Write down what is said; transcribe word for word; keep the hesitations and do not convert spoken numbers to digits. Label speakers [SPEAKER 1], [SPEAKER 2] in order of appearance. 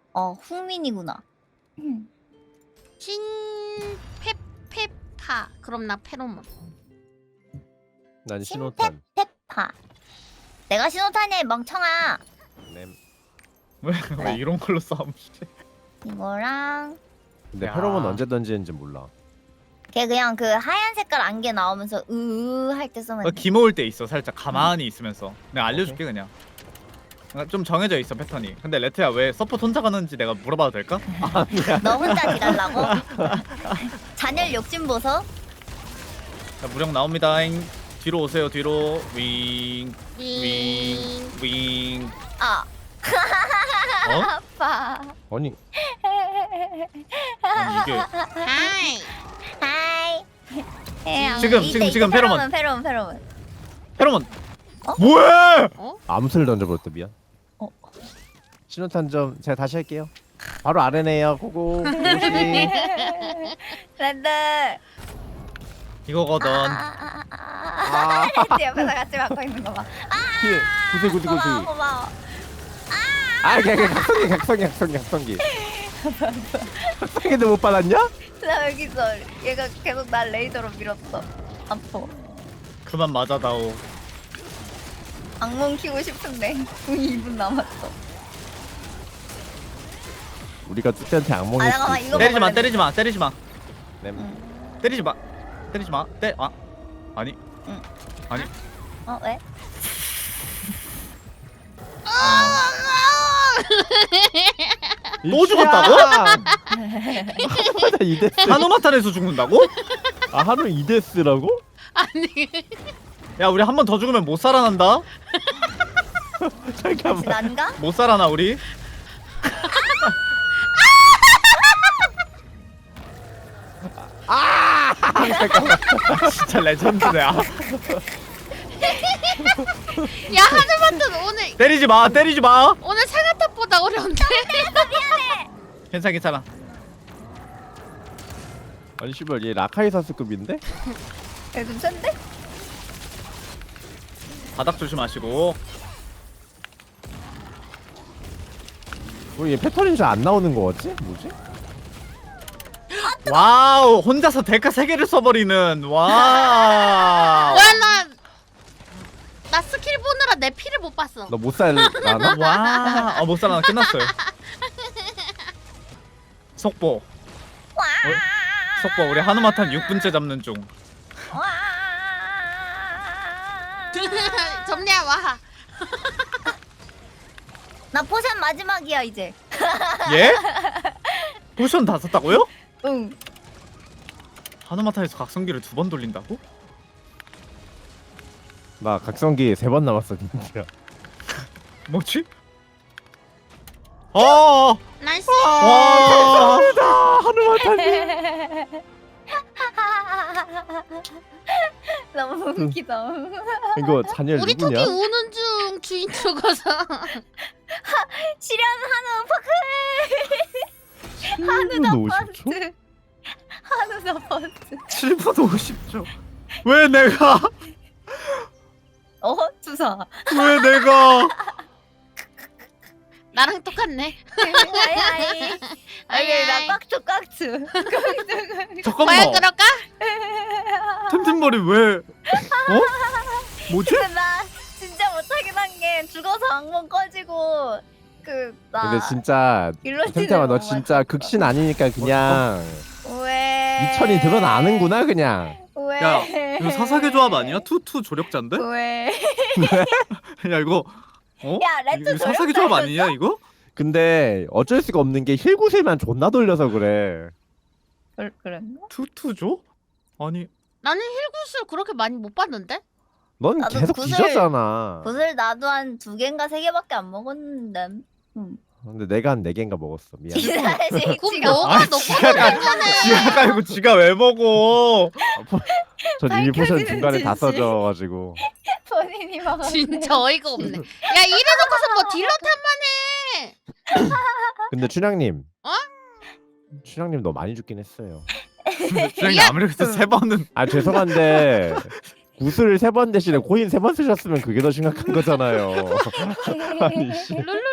[SPEAKER 1] 어 흥민이구나.
[SPEAKER 2] 신페페파. 그럼 나 페로몬.
[SPEAKER 3] 난 신호탄.
[SPEAKER 1] 페파. 내가 신호탄이야 멍청아.
[SPEAKER 3] 램.
[SPEAKER 4] 왜,
[SPEAKER 1] 그래.
[SPEAKER 4] 왜 이런 걸로 싸움?
[SPEAKER 1] 이거랑
[SPEAKER 3] 근데
[SPEAKER 4] 야.
[SPEAKER 3] 페로몬 언제 던지는지 몰라.
[SPEAKER 1] 걔 그냥 그 하얀 색깔 안개 나오면서 으으 할 때 쓰면
[SPEAKER 4] 어,
[SPEAKER 1] 돼.
[SPEAKER 4] 기모을 때 있어. 살짝 가만히 있으면서. 내가 알려줄게 그냥. 그러니까 좀 정해져 있어 패턴이. 근데 레트야 왜 서포트 혼자 가는지 내가 물어봐도 될까?
[SPEAKER 1] 너 혼자 딜하려고? 잔열 욕심 보소?
[SPEAKER 4] 자 무력 나옵니다잉. 뒤로 오세요 뒤로. 윙. 윙.
[SPEAKER 2] 윙.
[SPEAKER 4] 윙.
[SPEAKER 1] 아
[SPEAKER 4] 어?
[SPEAKER 1] 아파.
[SPEAKER 3] 아니
[SPEAKER 4] 아니 이게
[SPEAKER 2] 하이.
[SPEAKER 1] 하이. 에,
[SPEAKER 4] 지금,
[SPEAKER 1] 이때,
[SPEAKER 4] 지금,
[SPEAKER 1] 이때
[SPEAKER 4] 지금 페로몬.
[SPEAKER 1] 페로몬 페로몬.
[SPEAKER 4] 페로몬.
[SPEAKER 1] 어?
[SPEAKER 4] 뭐해?
[SPEAKER 3] 암수를 던져버렸다. 미안.
[SPEAKER 1] 어.
[SPEAKER 3] 신호탄 좀 제가 다시 할게요. 바로 아래네요. 고고. 조심.
[SPEAKER 1] 랜드.
[SPEAKER 4] 이거거든.
[SPEAKER 1] 아아아아. 랜드 옆에서 같이 맡고 있는 거 봐.
[SPEAKER 3] 힐. 구슬 구슬
[SPEAKER 1] 고마워
[SPEAKER 3] 구슬.
[SPEAKER 1] 고마워.
[SPEAKER 3] 아, 그냥 각성기 각성기 각성기 각성기. 각성기도 못 받았냐?
[SPEAKER 1] 나 여기서 얘가 계속 날 레이저로 밀었어. 아파.
[SPEAKER 4] 그만 맞아다오.
[SPEAKER 1] 악몽 키고 싶은데 궁 이 분 남았어.
[SPEAKER 3] 우리가 뚜띠한테 악몽이
[SPEAKER 1] 아, 잠깐만, 이거
[SPEAKER 4] 때리지 마
[SPEAKER 1] 먹을래.
[SPEAKER 4] 때리지 마 때리지 마.
[SPEAKER 3] 램.
[SPEAKER 1] 응.
[SPEAKER 4] 때리지 마. 때리지 마. 때 아. 아니.
[SPEAKER 1] 응.
[SPEAKER 4] 아니.
[SPEAKER 1] 어 왜?
[SPEAKER 4] 또 죽었다고?
[SPEAKER 3] 맞아 이데스.
[SPEAKER 4] 한우마탄에서 죽는다고?
[SPEAKER 3] 아 한우 이데스라고?
[SPEAKER 2] 아니.
[SPEAKER 4] 야 우리 한 번 더 죽으면 못 살아난다.
[SPEAKER 3] 잠깐만.
[SPEAKER 1] 난가?
[SPEAKER 4] 못 살아나 우리.
[SPEAKER 3] 아 잠깐만.
[SPEAKER 4] 아, 진짜 레전드네. 아.
[SPEAKER 2] 야 하늘만튼 오늘
[SPEAKER 4] 때리지 마 때리지 마.
[SPEAKER 2] 오늘 상아탑보다 어려운데.
[SPEAKER 4] 괜찮아 괜찮아.
[SPEAKER 3] 아니 씨발 얘 라카이 사스급인데?
[SPEAKER 1] 얘좀 센데?
[SPEAKER 4] 바닥 조심하시고.
[SPEAKER 3] 왜얘 패턴이 잘 안 나오는 거 같지? 뭐지?
[SPEAKER 4] 와우 혼자서 데카 세 개를 써버리는 와.
[SPEAKER 2] 와나 나 스킬 보느라 내 피를 못 봤어.
[SPEAKER 3] 너 못 살라나?
[SPEAKER 4] 와. 아 못 살아나 끝났어요. 속보.
[SPEAKER 1] 와.
[SPEAKER 4] 어? 속보 우리 한우마탄 육 분째 잡는 중.
[SPEAKER 1] 와.
[SPEAKER 2] 점리야 와.
[SPEAKER 1] 나 포션 마지막이야 이제.
[SPEAKER 4] 예? 포션 다 썼다고요?
[SPEAKER 1] 응.
[SPEAKER 4] 한우마탄에서 각성기를 두 번 돌린다고?
[SPEAKER 3] 나 각성기 세 번 남았어 진짜.
[SPEAKER 4] 뭐지? 어.
[SPEAKER 2] 나이스.
[SPEAKER 4] 와.
[SPEAKER 3] 한우마탄이.
[SPEAKER 1] 너무 웃기다.
[SPEAKER 3] 이거 잔열
[SPEAKER 2] 우리 토끼
[SPEAKER 3] 누구냐?
[SPEAKER 2] 우는 중 주인 죽어서.
[SPEAKER 1] 실현 한우 파크. 한우 더
[SPEAKER 3] 오십 초?
[SPEAKER 1] 버스. 한우 더 버스.
[SPEAKER 4] 칠 분 오십 초. 왜 내가?
[SPEAKER 1] 어 주사.
[SPEAKER 4] 왜 내가?
[SPEAKER 2] 나랑 똑같네.
[SPEAKER 1] 아이 아이.
[SPEAKER 2] 아이,
[SPEAKER 1] 나
[SPEAKER 2] 아이.
[SPEAKER 1] 깍투 깍투.
[SPEAKER 2] 과연
[SPEAKER 4] 잠깐만.
[SPEAKER 2] 그럴까?
[SPEAKER 4] 템템머리 왜? 어? 뭐지?
[SPEAKER 1] 근데 나 진짜 못하긴 한 게 죽어서 악몽 꺼지고 그나
[SPEAKER 3] 근데 진짜 템템아 너 진짜 극신 아니니까 그냥
[SPEAKER 1] 왜
[SPEAKER 4] 네.
[SPEAKER 3] 이천이 드러나는구나 그냥.
[SPEAKER 1] 왜
[SPEAKER 4] 야, 이거 사사계 조합 아니야? 투투 조력자인데?
[SPEAKER 1] 왜
[SPEAKER 4] 야 이거 어?
[SPEAKER 1] 야, 레트
[SPEAKER 4] 이거 사사계 조합 아니냐 이거?
[SPEAKER 3] 근데 어쩔 수가 없는 게 힐구슬만 존나 돌려서 그래.
[SPEAKER 1] 그, 그랬나?
[SPEAKER 4] 투투조? 아니
[SPEAKER 2] 나는 힐구슬 그렇게 많이 못 봤는데?
[SPEAKER 3] 넌
[SPEAKER 1] 나도
[SPEAKER 3] 계속
[SPEAKER 1] 구슬-
[SPEAKER 3] 뒤졌잖아.
[SPEAKER 1] 구슬 나도 한 두 개인가 세 개밖에 안 먹었는데 응.
[SPEAKER 3] 근데 내가 한 네 개인가 먹었어. 미안.
[SPEAKER 1] 기다리지
[SPEAKER 2] 그럼
[SPEAKER 1] 지가
[SPEAKER 2] 너가
[SPEAKER 4] 아,
[SPEAKER 2] 너
[SPEAKER 4] 지가 가-
[SPEAKER 2] 뽑는 거네.
[SPEAKER 4] 지가 깔고 지가 왜 먹어?
[SPEAKER 3] 저 이미 포션
[SPEAKER 1] 밝혀지는
[SPEAKER 3] 중간에 다
[SPEAKER 1] 진실.
[SPEAKER 3] 써져가지고.
[SPEAKER 1] 본인이 먹었네.
[SPEAKER 2] 진짜 어이가 없네. 야 이래놓고서 뭐 딜러 탓만 해.
[SPEAKER 3] 근데 춘향님.
[SPEAKER 2] 어?
[SPEAKER 3] 춘향님 너 많이 죽긴 했어요.
[SPEAKER 4] 주장님 아무리 그래도 세 번은
[SPEAKER 3] 아 죄송한데 구슬 세 번 대신에 코인 세 번 쓰셨으면 그게 더 심각한 거잖아요. 아니 씨.
[SPEAKER 2] 룰루